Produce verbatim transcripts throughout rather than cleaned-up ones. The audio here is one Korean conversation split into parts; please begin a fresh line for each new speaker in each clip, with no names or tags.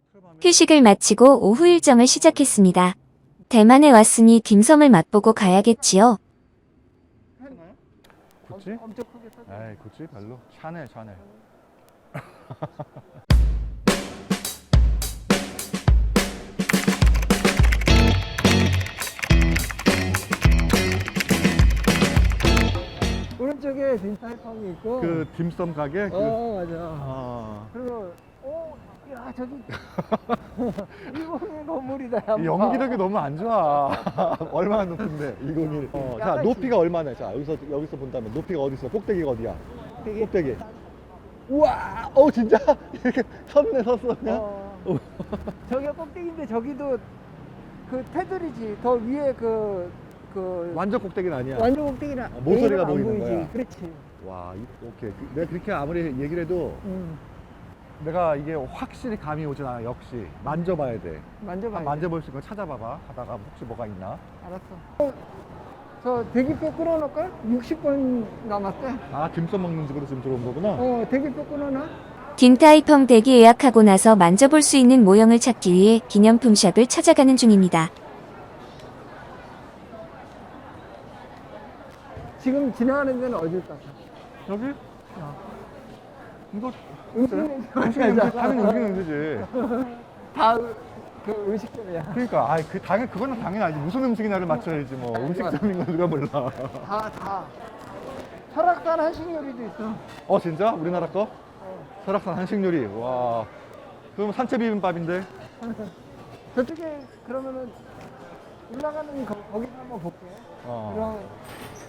휴식을 마치고 오후 일정을 시작했습니다. 대만에 왔으니 딤섬을 맛보고 가야겠지요.
구찌?
엄청 크게 써.
에이 구찌 별로. 샤넬 샤넬.
오른쪽에 딘타이펑이 있고.
그 딤섬 가게? 그,
어 맞아.
아.
그리고 오, 야 저기 일본의 건물이다.
이 연기력이 너무 안 좋아. 얼마나 높은데? 이천일. 어, 자,
약간
높이가 얼마나? 자, 여기서 여기서 본다면 높이가 어디 있어? 꼭대기가 어디야?
되게
꼭대기. 우와! 어, 진짜? 이렇게 섰네, 섰어. 그냥?
어, 저기가 꼭대기인데 저기도 그 테두리지. 더 위에 그, 그
완전 꼭대기는 아니야.
완전 꼭대기는
아, 모서리가
A는 안
보이는
보이지.
거야.
그렇지.
와, 이, 오케이. 그- 내가 그렇게 아무리 얘기를 해도
응.
내가 이게 확실히 감이 오진 않아. 역시 만져봐야 돼.
만져봐.
한 만져볼 수 있는 거 찾아봐봐. 하다가 혹시 뭐가 있나?
알았어. 어, 저 대기표 끊어놓을까? 육십 번 남았대.
아, 딤섬 먹는 집으로 지금 들어온 거구나.
어, 대기표 끊어놔.
딘타이펑 댁이 예약하고 나서 만져볼 수 있는 모형을 찾기 위해 기념품 샵을 찾아가는 중입니다.
지금 지나가는 데는 어딜 까?
여기?
어.
이거
음식
음식 냄새, 당연히 음식 냄새지.
다그 음식점이야.
그러니까, 아, 그 당연 그거는 당연히 알지. 무슨 음식이나를 맞춰야지 뭐. 음식점인 건 누가 몰라.
다 다. 설악산 한식 요리도 있어.
어, 진짜? 우리나라 거?
어.
설악산 한식 요리. 와. 그럼 산채 비빔밥인데?
저쪽에 그러면은 올라가는 거, 거기서 한번 볼게.
어.
그럼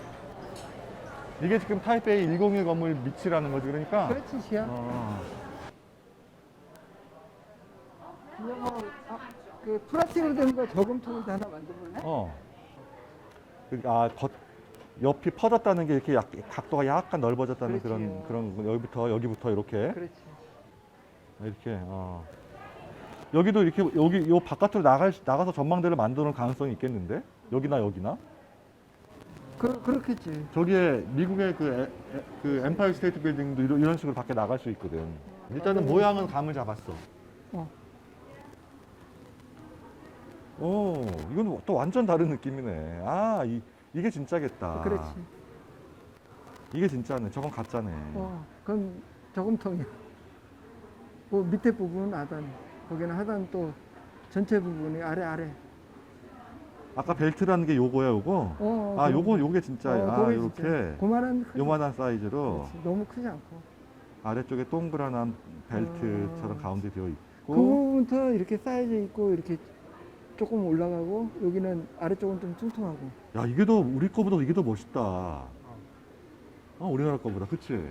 이게 지금 타이베이 백일 건물 밑이라는 거지, 그러니까.
그렇지 시야.
어.
그냥 뭐, 아, 그 플라스틱으로 된 거 저금통을 하나 만들어볼래?
어. 그, 아, 겉, 옆이 퍼졌다는 게 이렇게 약, 각도가 약간 넓어졌다는
그렇지.
그런 그런 거. 여기부터 여기부터 이렇게
그렇지.
이렇게. 어. 여기도 이렇게 여기 요 바깥으로 나갈 나가서 전망대를 만드는 가능성이 있겠는데? 여기나 여기나?
그 그렇겠지.
저기에 미국의 그, 에, 에, 그 엠파이어 스테이트 빌딩도 이런, 이런 식으로 밖에 나갈 수 있거든. 일단은 모양은 감을 잡았어.
어.
오, 이건 또 완전 다른 느낌이네. 아, 이, 이게 진짜겠다.
그렇지.
이게 진짜네. 저건 가짜네.
어, 그건 저금통이야. 그 밑에 부분은 하단. 거기는 하단 또 전체 부분이 아래 아래.
아까 벨트라는 게 요거야, 요거?
어,
아,
그럼-
요거, 요게 진짜.
어,
아,
그게
요렇게.
진짜. 그만한 크지.
요만한 사이즈로
그렇지. 너무 크지 않고.
아래쪽에 동그란한 벨트처럼
어.
가운데 되어
그
있고.
부분부터 이렇게 쌓여져 있고 이렇게 조금 올라가고 여기는 아래쪽은 좀 뚱뚱하고.
야, 이게 더, 우리 거보다 이게 더 멋있다. 어, 우리나라 거보다. 그치?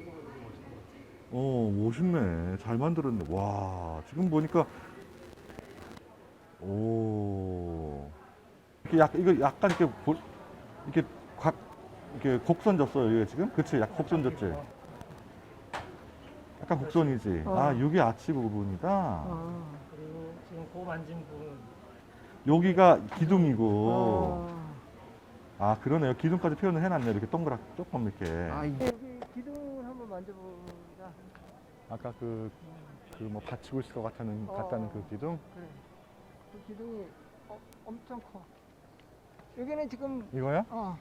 어, 멋있네. 잘 만들었네. 와, 지금 보니까. 오. 이렇게 약, 이거 약간 이렇게, 보, 이렇게 각, 이렇게 곡선 졌어요, 이게 지금? 그치? 약 곡선 졌지? 약간 곡선이지?
어.
아, 이게 아치 부분이다.
아.
그리고 지금 고 만진 부분
여기가 기둥이고.
어.
아, 그러네요. 기둥까지 표현을 해놨네. 이렇게 동그랗, 조금 이렇게.
아, 이게 여기 기둥을 한번 만져보자.
아까 그, 그 뭐 받치고 있을 것 같다는,
어.
같다는 그 기둥?
그래. 그 기둥이 어, 엄청 커. 여기는 지금
이거야?
어.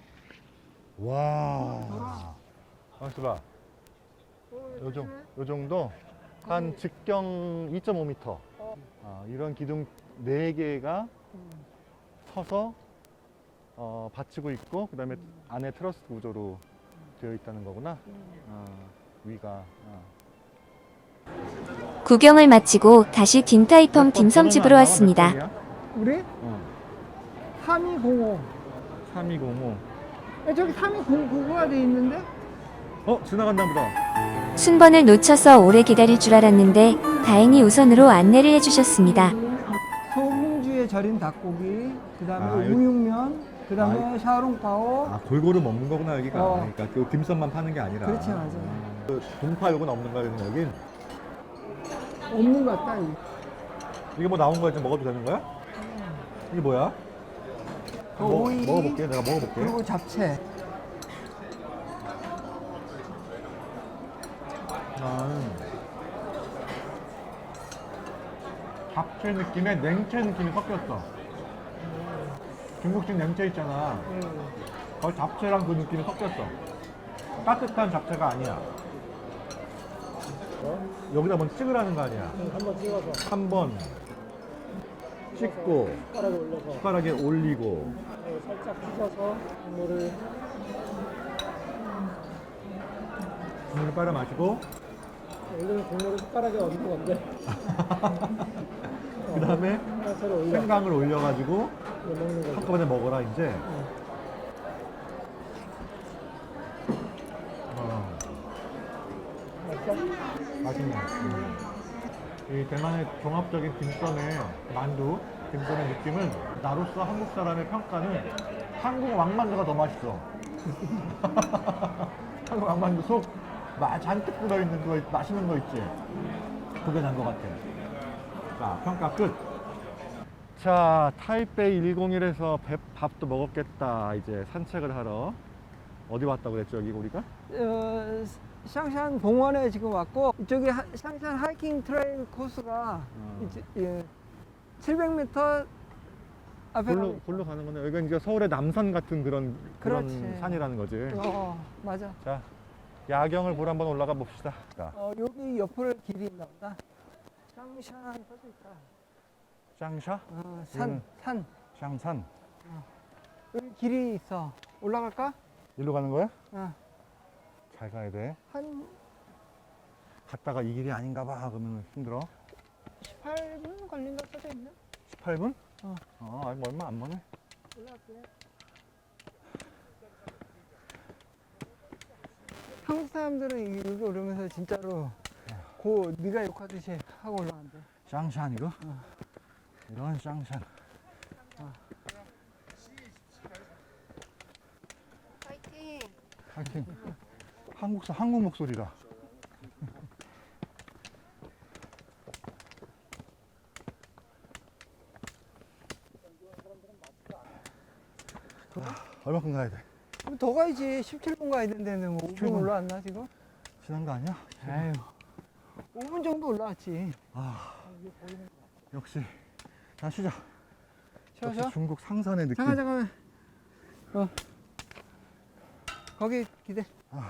와. 가만있어 봐.
어,
요, 정,
조심해.
요 정도? 한
거기-
직경 이 점 오 미터.
어.
아, 이런 기둥 네 개가
음.
서서 어, 받치고 있고, 그 다음에 안에 트러스 구조로 되어 있다는 거구나.
음.
어, 위가. 어.
구경을 마치고 다시 딘타이펑
몇 번
딤섬집으로
번호는 안
왔습니다.
나와? 몇 번이야?
우리
어.
삼이공오.
삼이공오.
야, 저기 삼이공구가 돼 있는데?
어, 지나갔나 보다.
순번을 놓쳐서 오래 기다릴 줄 알았는데 다행히 우선으로 안내를 해주셨습니다.
소금주에 절인 닭고기, 그 다음에
아, 여기-
우육면, 그 다음에 샤오롱파오.
아, 골고루 먹는 거구나, 여기가.
어.
그러니까 그 딤섬만 파는 게 아니라.
그렇지, 맞아.
그 동파 요건 없는 거야, 그럼 여긴?
없는 것 같다. 이.
이게 뭐 나온 거야, 지금 먹어도 되는 거야? 이게 뭐야?
그
먹-
오이,
먹어볼게, 내가 먹어볼게.
그리고 잡채.
아, 잡채 느낌에 냉채 느낌이 섞였어. 중국식 냉채 있잖아.
음.
거의 잡채랑 그 느낌이 섞였어. 따뜻한 잡채가 아니야.
어?
여기다 먼저 찍으라는 거 아니야.
음, 한번 찍어서
한 번 찍고
숟가락에 올려서
숟가락에 올리고
어, 살짝 휘저어서 국물을
국물을 빨아 마시고
원래는 국물을 숟가락에 얹는 건데
그 다음에
하나처럼 올려
생강을 올려가지고
이거 먹는 거죠.
한꺼번에 먹어라 이제. 어,
맛있어?
맛있네. 음. 이 대만의 종합적인 딤섬의 만두, 딤섬의 느낌은 나로서 한국 사람의 평가는 한국 왕만두가 더 맛있어. 한국 왕만두 속 마- 잔뜩 들어있는 거, 있- 맛있는 거 있지? 그게 난 것 같아. 자, 평가 끝. 자, 타이베이 백일에서 배, 밥도 먹었겠다. 이제 산책을 하러. 어디 왔다고 그랬죠, 여기 우리가?
어, 샹샨 봉원에 지금 왔고 이쪽에 하- 샹샨 하이킹 트레일 코스가
어.
이제, 예, 칠백 미터 앞에
골로,
가면
골로 가는 거네. 여기가 이제 서울의 남산 같은 그런, 그런
그렇지.
산이라는 거지.
어, 맞아.
자, 야경을 보러 한번 올라가 봅시다. 자,
어, 여기 옆으로 길이 있나 보다. 샹샨 써져 있다.
샹샤?
어, 산,
음.
산.
샹산.
여기 길이 있어. 올라갈까?
일로 가는 거야?
어,
잘 가야 돼.
한
갔다가 이 길이 아닌가 봐. 그러면 힘들어.
십팔 분 걸린다 써져 있네.
십팔 분?
어.
어, 아니, 뭐 얼마 안 머네.
올라갈게. 한국 사람들은 여기 오르면서 진짜로 고 네가 욕하듯이 하고 올라간대.
샹샨 이거? 이런 샹샨.
파이팅!
하여튼 한국, 사- 한국 목소리다. 아, 얼마큼 가야 돼?
그럼 더 가야지. 십칠 분 가야 되는데 뭐 오
십칠
분
분.
올라왔나 지금?
지난 거 아니야?
에휴. 오 분 정도 올라왔지.
아, 역시. 자, 쉬자.
쉬어
역시
쉬어.
중국 상산의 느낌.
잠깐 잠깐만. 어. 거기 기대.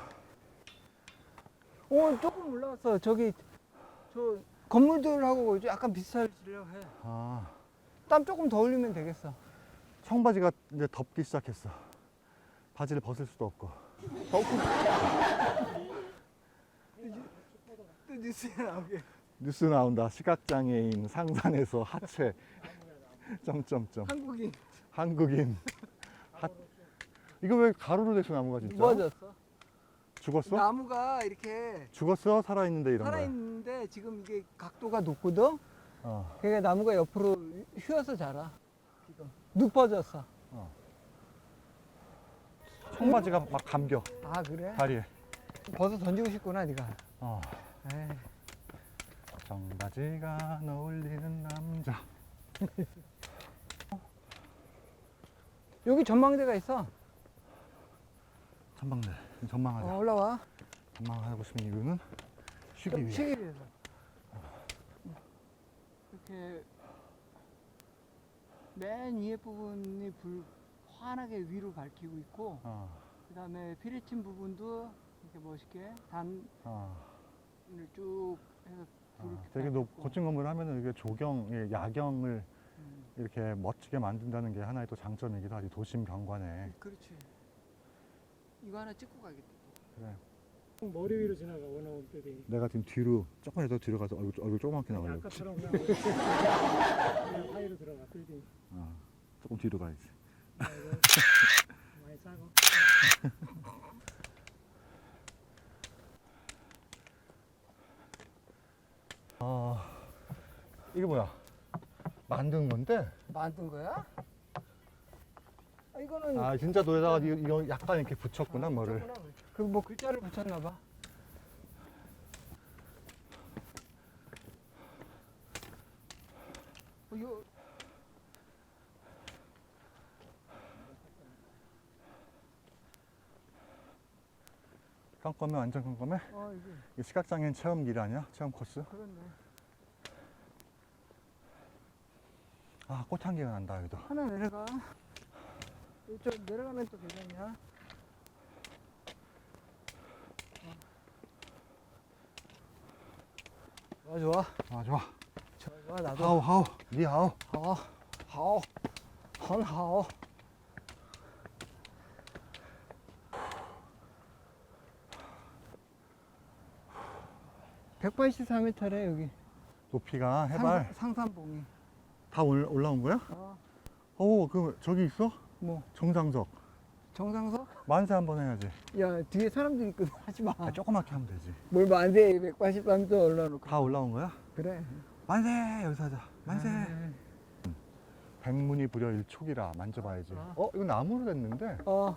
오 조금 올라왔어. 저기 저 건물들하고 약간 비슷하려고 해.
아,
땀 조금 더 흘리면 되겠어.
청바지가 이제 덥기 시작했어. 바지를 벗을 수도 없고.
또 뉴스에 나오게.
뉴스 나온다. 시각장애인 상산에서 하체. 점점점.
한국인
한국인. 하... 이거 왜 가로로 돼서 나무가 진짜?
무너졌어.
죽었어?
나무가 이렇게
죽었어? 살아있는데 이런 거야?
살아있는데 지금 이게 각도가 높거든?
어.
그러니까 나무가 옆으로 휘어서 자라. 지금 눕어졌어.
청바지가 막 감겨.
아 그래?
다리에.
벗어 던지고 싶구나 네가.
어.
에이.
청바지가 어울리는 남자.
여기 전망대가 있어.
전망대. 전망하자.
어, 올라와.
전망하고 싶은 이유는 쉬기 위해.
쉬기 위해서. 이렇게 맨 위에 부분이 불 환하게 위로 밝히고 있고,
어.
그 다음에 피리친 부분도 이렇게 멋있게 단을
어.
쭉 해서 불을
어. 되게 높,
밝혔고.
고층 건물을 하면은 이게 조경, 예, 야경을
음,
이렇게 멋지게 만든다는 게 하나의 또 장점이기도 하지. 도심 경관에.
그렇지. 이거 하나 찍고 가야겠다.
그래.
머리 위로 지나가 원어원 때리.
내가 지금 뒤로 조금만 더 뒤로 가서 얼굴, 얼굴 조그맣게 나가려고.
아까처럼 그냥 그냥 사이로 들어가 빌딩.
어. 조금 뒤로 가야지.
많이 싸고.
어. 이게 뭐야? 만든 건데?
만든 거야? 아, 이거는
아, 진짜 노에다가 이거, 이거 약간 이렇게 붙였구나, 뭐를.
그 뭐 글자를 붙였나 봐. 어, 이거
깜깜해, 완전 깜깜해?
어 이게
이게 시각장애인 체험길 아니야? 체험 코스?
그렇네.
아, 꽃향기가 난다, 여기도.
하나 내려가. 이쪽 내려가면 또 되겠냐? 좋아, 좋아.
아, 좋아.
좋아, 좋아, 나도.
하오, 하오. 니 하오.
好，好，很好。 백팔십사 미터래 여기.
높이가 해발
상, 상산봉이.
다 올, 올라온 거야?
어,
오, 그 저기 있어?
뭐
정상석.
정상석?
만세 한번 해야지.
야 뒤에 사람들 있거든. 하지 마.
아, 조그맣게 하면 되지.
뭘 만세 백팔십삼 미터 올라놓고.
다 올라온 거야?
그래.
만세! 여기서 하자. 만세!
아,
백문이 불여 일촉이라 만져봐야지.
아.
어, 이거 나무로 됐는데?
어,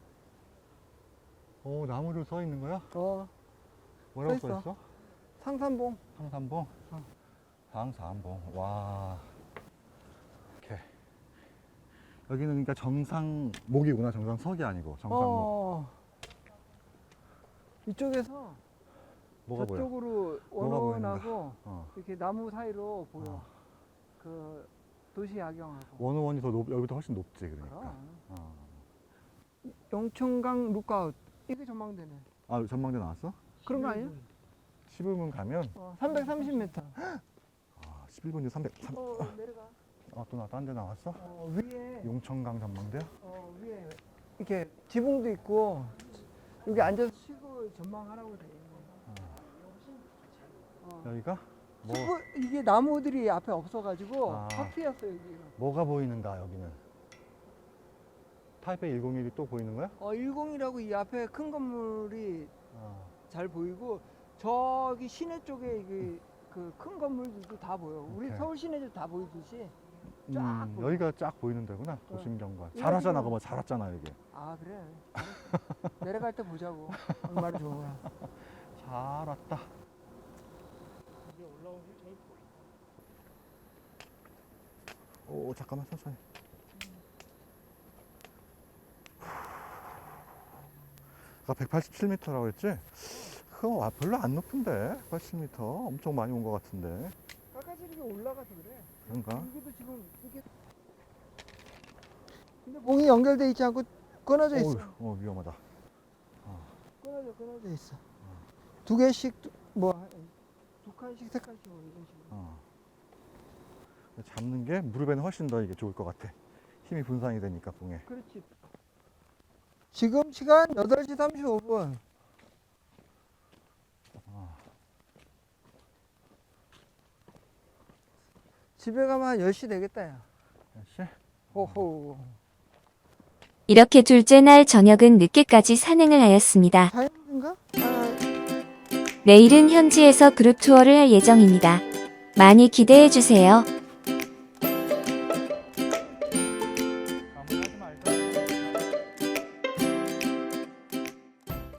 어, 나무로 써 있는 거야?
어,
뭐라고
써
써
있어.
있어?
상산봉.
상산봉?
어.
상산봉. 와. 오케이. 여기는 그러니까 정상목이구나. 정상석이 아니고 정상목.
어. 이쪽에서
뭐가 보여?
저쪽으로
뭐가
원원하고
어.
이렇게 나무 사이로 보여.
어.
그 도시 야경하고.
원오원이 더 높, 여기도 훨씬 높지, 그러니까.
그럼.
어.
영천강 룩아웃. 이게 전망대네.
아, 전망대 나왔어?
그런 거 아니야?
십일 분 가면,
어, 삼백삼십 미터.
아, 십일 분이 삼백, 삼,
어, 내려가.
아, 또 나, 딴 데 나왔어?
어, 위에,
용천강 전망대야?
어, 위에 이렇게 지붕도 있고 여기 앉아서 쉬고 전망하라고 돼 있네. 어.
여기가? 뭐,
숲을- 이게 나무들이 앞에 없어가지고
아.
확 피었어 여기가.
뭐가 보이는가, 여기는? 타이페이 일공일이 또 보이는 거야?
어, 일공이라고 이 앞에 큰 건물이
어.
잘 보이고 저기 시내 쪽에 그 큰 건물들도 다 보여. 우리
오케이.
서울 시내도 다 보이듯이. 쫙
음,
보여.
여기가 쫙 보이는 데구나, 도심경관.
여기는-
잘 왔잖아, 그거 잘 왔잖아, 여기.
아 그래. 알았어. 내려갈 때 보자고. 얼마나 좋아.
잘 왔다.
이제 올라오면 저기
오, 잠깐만, 천천히. 아까 백팔십칠 미터라고 했지? 그거 아, 별로 안 높은데? 백팔십 미터? 엄청 많이 온 것 같은데.
까까지 이렇게 올라가서 그래.
그런가?
여기도 지금 이게 근데 봉이 연결돼 있지 않고 끊어져 있어.
어우, 어, 위험하다.
끊어져 끊어져 있어. 두 개씩 두- 뭐 두 칸씩 세 칸씩 뭐 이런 식으로.
어. 잡는 게 무릎에는 훨씬 더 이게 좋을 것 같아. 힘이 분산이 되니까, 봉에.
그렇지. 지금 시간 여덟 시 삼십오 분. 집에 가면 한 열 시 되겠다 야.
역시.
호호.
이렇게 둘째 날 저녁은 늦게까지 산행을 하였습니다.
자연인가? 아,
내일은 현지에서 그룹 투어를 할 예정입니다. 많이 기대해 주세요.